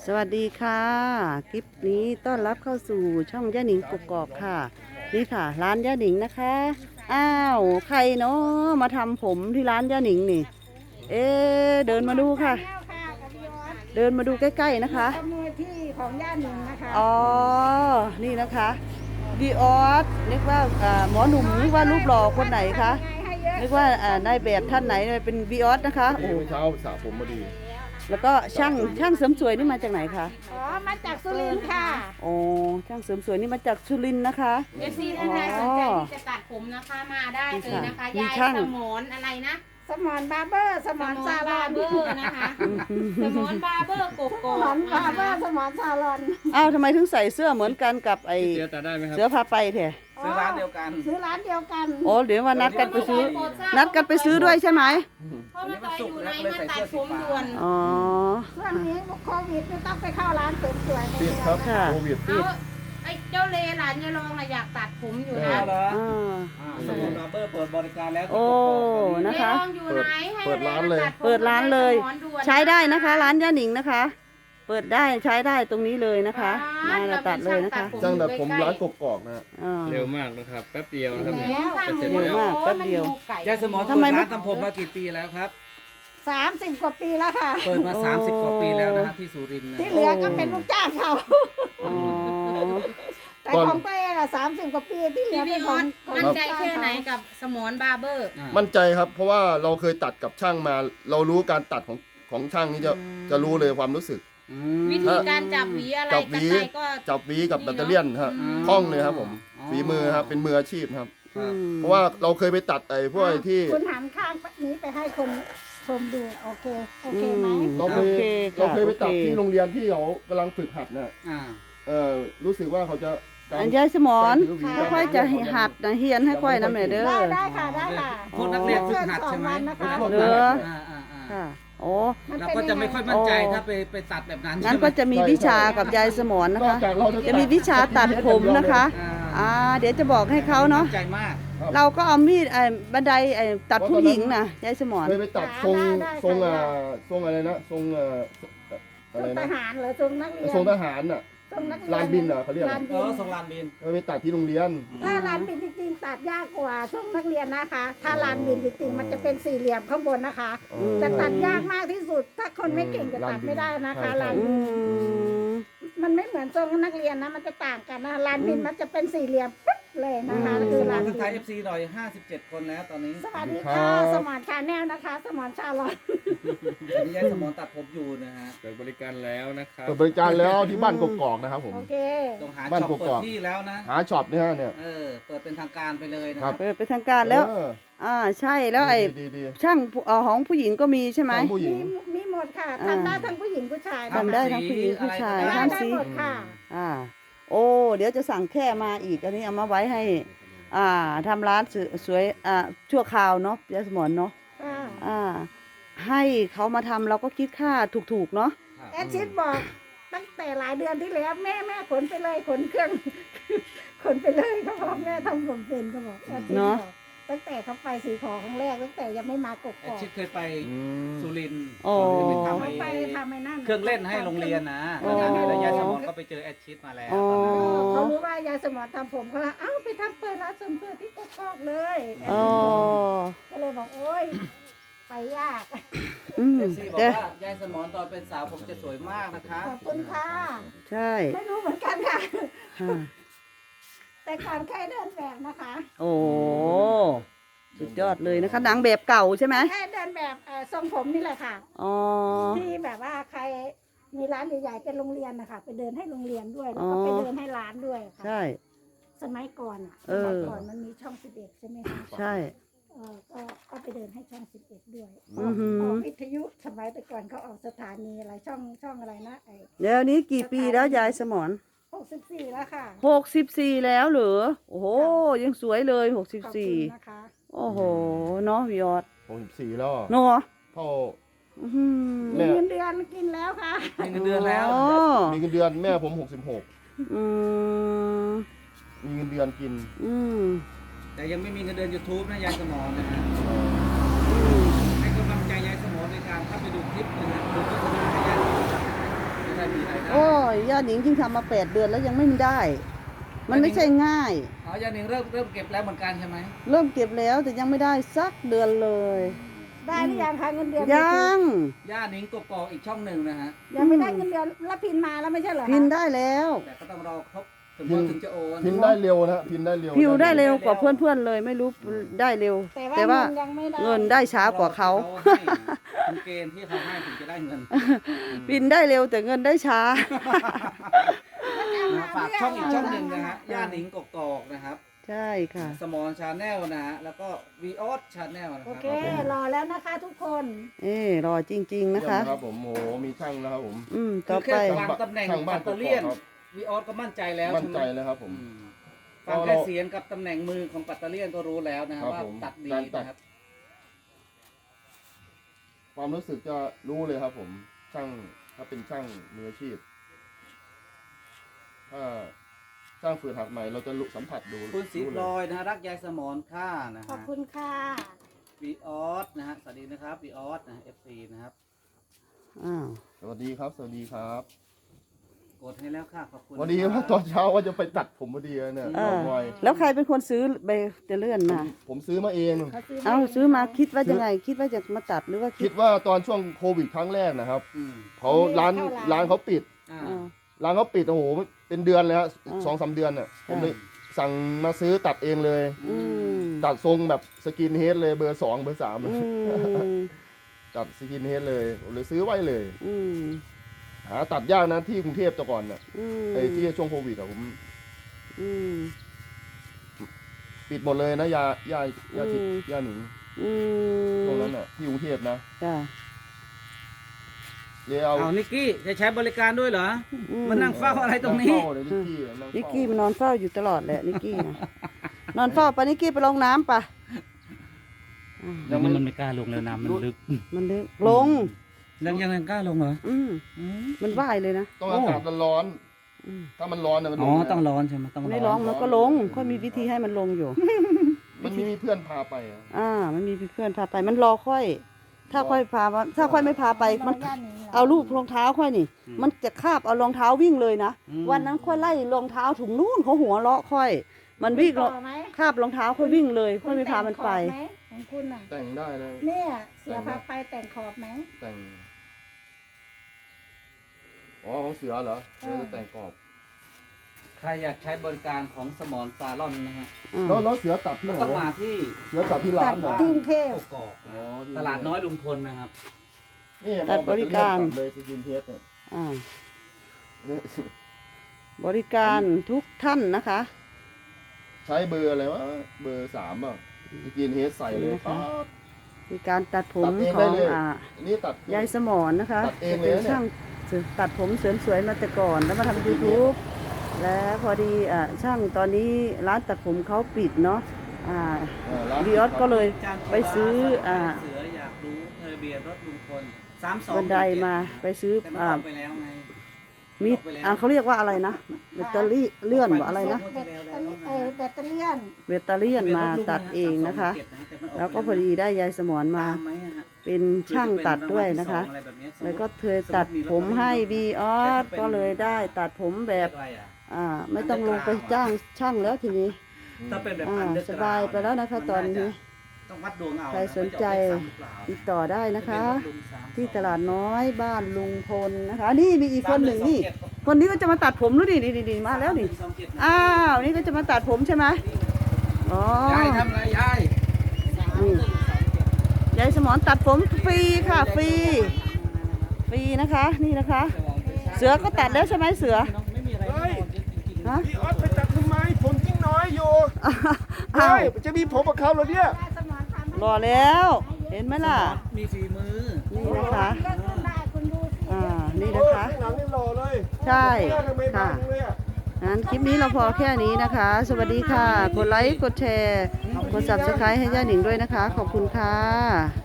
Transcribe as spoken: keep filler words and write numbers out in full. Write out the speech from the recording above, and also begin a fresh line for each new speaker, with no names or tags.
สวัสดีค่ะคลิปนี้ต้อนรับเข้าสู่ช่องย่าหนิงกกอกค่ะนี่ค่ะร้านย่าหนิงนะคะอ้าวใครเนาะมาทำผมที่ร้านย่าหนิงนี่เอ๊ะเดินมาดูค่ะ เดินมาดูใกล้ๆนะคะ
มือที่ของย่าหนิงนะคะ
อ๋อนี่นะคะดีออสนึกว่าหมอหนุ่มนึกว่ารูปหล่อคนไหนคะนึกว่านายแบบท่านไหนเป็นบีออสนะคะโอ้
เช้าสระผมมาดี
แล้วก็ช่างช่างเสริมสวยนี่มาจากไหนคะ
อ๋อมาจากสุรินทร์ค่ะ
โอ้ช่างเสริมสวยนี่มาจากสุรินทร์นะคะ
เอฟซีท่านใดสนใจที่จะตัดผมนะคะมาได้เลยนะคะยายสมอนอะไรนะ
สมอนบาร์เบอร์สมอนซาลอน
เบอร์นะคะสมอนบาร์เบอร์โกโก้
สมอนบาร์เบอร์สมอนซาลอน
อ้าวทำไมถึงใส่เสื้อเหมือนกันกับไอเสือพาไปแท้
ซื้อร้านเดียวกันซื้อร้านเดียวกัน
โอ้เดี๋ยวมานัดกันไปซื้อนัดกันไปซื้อด้วยใช่ไหม
เพราะว่าอยู่ในมาตัดผมด่วน
อ๋อ
ช่วงนี้โควิดไม่ต้องไปเข้าร้านเสริมสวย
ปิดครับโควิดปิด
ไอ้เจ้าเลหลานยายรองอยากตัดผมอยู่นะ
สมุนบาร์เบอร์เปิดบริการแล้ว
โอ้นะคะ
เปิดร้านเลย
เปิดร้านเลยใช้ได้นะคะร้านย่าหนิงนะคะเปิดได้ใช้ได้ตรงนี้เลยนะคะมาเราตัดเลยนะคะ
จ้างแต่ผมร้านกกอกนะ
เร็วมากนะครับแป๊บเดียวนะครับ
เร็วมากแป๊บเดียวย
ายสมอทำไมร้านทำผมมากี่ปีแล้วครับ
สามสิบกว่าปีแล้วค่ะ
เปิดมาสามสิบกว่าปีแล้วนะครับที่สุรินทร์
ที่เหลือก็เป็นลูกจ้างเขาแต่ของเป้อะสามสิบกว่าปีที่เหลือเป็นของ
มั่นใจแค่ไหนกับสมอนบาร์เบอร์
มั่นใจครับเพราะว่าเราเคยตัดกับช่างมา เรารู้การตัดของของช่างนี้จะจะรู้เลยความรู้สึก
วิธีการจับหวีอะไร
จับหวีจับหวีกับแบตเตอรี่นครับคล่องเลยครับผมฝีมือครับเป็นมืออาชีพครับเพราะว่าเราเคยไปตัดไอ้พวกที่
คุณหันข้างนี้ไปให้คนชมดูโอเคโอเคไหม
เราเคยเราเคยไปตัดที่โรงเรียนที่เขากำลังฝึกหัดเนี่ยเออรู้สึกว่าเขาจะ
อันยายสมอนค่อยจะหัดนะเฮียนให้ค่อยน้ำเนเด้อ
ได้ค่ะได้ค่ะ
พวกนักเรียนฝึกหัดใช่ไหม
เด้อค่ะโอ้
เราก็จะไม่ค่อยมั่นใจถ้าไปไปตัดแบบนั้น
งั้นก็จะมีวิชากับยายสมอนนะคะจะมีวิชาตัดผมนะคะอ่าเดี๋ยวจะบอกให้เขาเนาะ
ใจมาก
เราก็เอามีดไอ้บันไดไอ้ตัดผู้หญิงนะยายสมอน
เคยไปตัดทรงทรงอ่าทรงอะไรนะทรงอ่า
อะไรนะทหารหรือทรงนักเรียน
ทรงทหารน่ะลานบินเหรอเขาเรียก
เออทรงลานบิน
ไปตัดที่โรงเรียน
ถ้าลานบินจริงๆตัดยากกว่าทรงนักเรียนนะคะ ถ้าลานบินจริงๆมันจะเป็นสี่เหลี่ยมข้างบนนะคะจะตัดยากมากที่สุดถ้าคนไม่เก่งจะตัดไม่ได้นะคะลานบินมันไม่เหมือนทรงนักเรียนนะมันจะต่างกันนะลานบินมันจะเป็นสี่เหลี่ยมปุ๊บเลยนะคะคือลานบิน
ไทยเอฟซีหน่อยห้าสิบเจ็ดคนแล้วตอนนี้
สวัสดีค่ะสมอนชาแนลนะคะสมอนชาลอน
ตอนนี้ยายสมอนตัดผมอยู่นะฮะ
เปิดบริการแล้วนะครับเปิดบริการแล้วที่บ้านกกอกนะครับผม
โอเค
ต้องหาช็อปเปิดที่แล้วนะ
หาช็อปเนี่ยเนี่ย
เออเปิดเป็นทางการไปเลยนะครับ
เปิดเป็นทางการแล้วอ่าใช่แล้วไอ้ช่างของผู้หญิงก็มีใช่ไหม
มีมีหมดค่ะทำได้ทั้งผู้หญิงผู้ชาย
ทำได้ทั้งผู้หญิงผู้ชาย
ทำได้หมดค่ะ
อ่าโอ้เดี๋ยวจะสั่งแค่มาอีกอันนี้เอามาไว้ให้อ่าทำร้านสวยอ่าชั่วคราวเนาะยายสมอนเนาะอ่าให้เขามาทำเราก็คิดค่าถูกๆเนาะ
แอดชิดบอกตั้งแต่หลายเดือนที่แล้วแม่แม่ขนไปเลยขนเครื่องขนไปเลยเขาบอกแม่ทำผมเป็นเขาบอกแอดชิดบอกตั้งแต่เขาไปสีขอครั้งแรกตั้งแต่ยังไม่มากกอก
ชิดเคยไปสุรินทร์
เขาไปทำไอ้นั่น
เครื่องเล่นให้โรงเรียนนะแล้วยายสมอนก็ไปเจอแอดชิดมาแล้ว
เขารู้ว่ายายสมอนทำผมเขาเอ้าไปทำเปิดร้านเสริมสวยที่กอกเลยก็เลยบอกโอ๊ยไปยาก
เอฟซีบอกว่ายายสมอนตอนเป็นสาวผมจะสวยมากนะคะ
ขอบคุณค่ะ
ใช่
ไม่รู้เหมือนกันค่ะแต่ก่อนเคยเดินแบบนะคะ
โอ้สุดยอดเลยนะคะนางแบบเก่าใช่ไหม
แค่เดินแบบทรงผมนี่แหละค่ะอ๋อที่แบบว่าใครมีร้านใหญ่ๆเป็นโรงเรียนนะคะไปเดินให้โรงเรียนด้วยแล้วก็ไปเดินให้ร้านด้วยค่ะ
ใช่
สมัยก่อนสมัยก่อนมันมีช่องสิบเอ็ดใช่ไหมคะ
ใช่
เออก็ก็ไปเดินให้ช่องสิบเอ็ดด้วยออกวิทยุสมัยแต่ก่อนเขาออกสถานีอะไรช่องช่องอะไรนะไอ้
เดี๋ยวนี้กี่ปีแล้วยายสมอน
หกสิบสี่แล้วค่ะ
หกสิบสี่แล้วเหรอโอ้โหยังสวยเลยหกสิบสี่โอ้โหเนาะวิออด
หกสิบสี่แล้ว
เนาะ
เท่า
มีเงินเดือนกินแล้วค่ะ
มีเงินเดือนแล้ว
มีเงินเดือนแม่ผมหกสิบหกมีเงินเดือนกิน
แต่ยังไม่มีเงินเดือนยูทูบนะยายสมอนนะฮะให้กำลังใจยายสมอนในการเข้าไปดูคลิปนะฮะดูโฆษณาให้ยายสมอนจะได้มีรายนะ
โอ้ยย่าหนิงยิ่งทำมาแปดเดือนแล้วยังไม่ได้ มันไม่ใช่ง่าย
อ๋อยาหนิงเริ่มเริ่มเก็บแล้วเหมือนกันใช่ไหม
เริ่มเก็บแล้วแต่ยังไม่ได้สักเดือนเลย
ได้หรือยังคะเงินเดือน
ยัง
ย่าหนิงกกอกอีกช่องหนึ่งนะฮะ
ยังไม่ได้เงินเดือนแล้วพินมาแล้วไม่ใช่เหรอคะ
พินได้แล้ว
แต่ก็ต้องรอครบถึงวันถึงจะโอน
พินได้เร็วนะฮะพินได้เร็ว
พิวได้เร็วกว่าเพื่อนๆเลยไม่รู้ได้เร็ว
แต่
แต่
ว่า
ว่า
เงินยังไม่ได้
เงินได้ช้ากว่าเขา
ให้เป็นเกณฑ์ที่เขาให้ถึงจะได้เงิน
พินได้เร็วแต่เงินได้ช้า
นะฝากช่องอีกช่องหนึ่งนะฮะย่าหนิงกกอกนะครับ
ใช่ค่ะ
สมอนชาแนลนะฮะแล้วก็วีออสชาแนลนะค
โอ
รับ
เครอแล้วนะคะทุกคน
เอ้รอจริง ๆ นะคะ
ครับผมโอ้โหมีช่างนะครับผม
อืม
คื
ต่อ
อแค่
ไป
วางตำแหน่ง
ช่างบ้า
ปั
น
ตเตอร์เลียน
กกอกครับ
วีออสก็มั่นใจแล้ว
มั่น
ใช่ไห
ใจ
ม
แล้วครับผม
อืมฟังแค่เสียงกับตำแหน่งมือของปัตเตอร์เลียนก็รู้แล้วนะฮะ
ครับ
ว่า
ผม
ตัดดี
การตัด
นะครับ
ความรู้สึกจะรู้เลยครับผมช่างถ้าเป็นช่างมืออาชีพถ้าช่างฝืนหักใหม่เราจะรู้สัมผัสดู
คุณสี
รู้
พ
เล
ลอย ยนะฮะรักยายสมอนค่านะ
ขอบ
ฮะ
คุณค่ะ
วีออสนะฮะสวัสดีนะครับวีออสนะเอฟซีนะครับ
อ้าว
สวัสดีครับ สวัสดีครับ
กดให้แล้วค่ะขอบคุณ
วันนี้ว่าตอนเช้าว่าจะไปตัดผมพอดีเนี่ย
เออ
ไว
แล้วใครเป็นคนซื้อใบเตเลื่อนมา
ผมซื้อมาเอง
เขาซื้อ
เอาซื้อมาคิดว่าจะไง คิดว่าจะมาตัดหรือว่าคิ
คิ
ด
ดว่าตอนช่วงโควิดครั้งแรกนะครับ
อืม
เขาร้านร้านเขาปิด
อ่า
อ่า
ร้านเขาปิดโอ้โหเป็นเดือนเลยฮะ
อ่า
สองสามเดือนเนี่ยผม
อ่า
เลยสั่งมาซื้อตัดเองเลย
อืม
ตัดทรงแบบสกินเฮดเลยเบอร์สองเบอร์สาม
อืม
ตัดสกินเฮดเลยผมเลยซื้อไว้เลย
อืม
หาตัดยากนะที่กรุงเทพแต่ก่อนน่ะ
อืม
ไอ้ที่ช่วงโควิดอะผม
อืม
ปิดหมดเลยนะยายายาทิพ
อืม
ย์ยาหนิง
อืม
ตรงนั้นน่ะที่กรุงเทพนะ
จ้ะ
เลยเอา
เอานิกกี้จะใช้บริการด้วยเหรอ
อืม
มานั่งเฝ้าอะไรตรงนี้
งเฝ้าเลยนิกกี้อะนั่ง
นิก
เฝ้า
กี้มันนอนเฝ้าอยู่ตลอดแหละนิกกี้นะนอนเฝ้าไปนิกกี้ไปลงน้ำปะอ่ะ
ยังไม่
มันไม่กล้าลงแล้วน้ำมันลึก
มันลึกลง
ยังยังกล้าลงเหรอ
อืมมันว่ายเลยนะ
ต้องอากาศร้อน
อืม
ๆถ้ามันร้อนน่ะมัน
อ๋อ
ลง
ต้อง
นะ
ร้อนใช่ไหมต้องร้อน
ไม่ร้องมันก็ลงค่อยมีวิธีให้มันลงอยู่
มันมีมีเพื่อนพาไปอะ
อ่า มันมีเพื่อนพาไป มันรอค่อย ถ้าค่อยพาถ้าค่อยไม่พาไป มัน
ย่านนี้หร
เอาลูกรองเท้าค่อยนี่ มันจะคาบเอารองเท้าวิ่งเลยนะ วันนั้นค่อยไล่รองเท้าถุงนู่นเขาหัวเราะค่อย มันวิ่ง
ต่อไหม
คาบรองเท้าค่อยวิ่งเลย ค่อยไม่พามันไป
แต่งขอบไหมของคุณน่ะ
แต่งได้นะ
เนี่ยเสือพาไปแต่งขอบไหม
แต่งอ๋อของเสือเหรอเสือจะแต่งกรอบ
ใครอยากใช้บริการของสมอนซาลอนนะฮะ
อืม
แล้วแล้วเสือตัดที่ไหน
ต้อง
วะ
มาที่
เสือตัดที่ร้า
ตั
น
ด
เหรอ
ที่กรุงเทพ
กกอก
อ๋อที่
ตลาดน้อยลุงพลนะครับ
นี่
ตัดบริการ
ตัดเลยสกินเทสเนี่ย
อ่า
นี่ บ
ริการทุกท่านนะคะ
ใช้เบอร์อะไรวะเบอร์สามอ่ะสกินเฮดใส่เลย
นะคะ
ป๊าด
มีการตัดผม
ตัดเอง
ข
ได้
อง
เลย
อ่า
อันนี้ตัด
ยายสมอนนะคะ
ตัดเอง
จะ
เลย
เป็น
นะเนี่ย
ช่างตัดผมเสริมสวยมาแต่ก่อนแล้วมาทำยูทูบแล้วพอดีอ่าช่างตอนนี้ร้านตัดผมเขาปิดเนาะอ่า
เออร้าน
วีออสก็เลยไปซื้ออ่า
เสืออยากรู้ทะเบียนรถลุงพลสามสอง
บันไดมาไปซื้อ
แต่มัน
อ่า
ออกไปแล้วไง
มีอ่าเขาเรียกว่าอะไรนะแบตเตอรี่เลื่อนว่าอะไรนะ
แบตเตอรี่เออแบตเตอรี่ยน
แบตเตอรี่มาตัดเองนะคะ แล้วก็พอดีได้ยายสมอนมา
ตามไหมอะฮะ
เป็นช่างตัดด้วยนะคะ
อไรแบบนี้
แล้วก็เธอตัดผมให้บีออสก็เลยได้ตัดผมแบบ
อะไรอะ
อ่าไม่ต้องลงไปจ้างช่างแล้วทีนี้
ถ้าเป็นแบบ
อ่า
อันเดอร์
สบายไปแล้วนะคะตอนนี้
ต้องวัดดวงเอา
ใครสนใจติดต่อได้นะคะ ที่ตลาดน้อยบ้านลุงพลนะคะ นี่มีอีกคนหนึ่งนี่ คนนี้ก็จะมาตัดผมแล้วนี่นี่นี่มาแล้วนี่อ้าวนี่ก็จะมาตัดผมใช่ไหมอ๋อย
ายทำอะไรยาย
นี่ยายสมอนตัดผมฟรีค่ะฟรีฟรีนะคะ นี่นะคะ เสือก็ตัดแล้วใช่ไหมเสือ
ไม่มีอะไร
ฮะ
พี่ออสไปตัดทำไมผมยิ่งน้อยอยู่
อ้าว
จะมีผมกับเขาเหรอเนี่ย
ได้สมอนทำให้
รอแล้ว เห็นไหมล่ะ
มีฝีมือ
นี่นะคะ
เลือกขึ้นได้คุณดูสิ
อ่านี่นะคะ
ข้างหลังนี่หล่อเลย
ใช่
หน้าทำไมบา
ค่ะ
งเลยอะ
งั้นคลิปนี้เราพอแค่นี้นะคะ สวัสดีค่ะ กดไลค์ กดแชร์ กด ซับสไครบ์ ให้ย่าหนิงด้วยนะคะ ขอบคุณค่ะ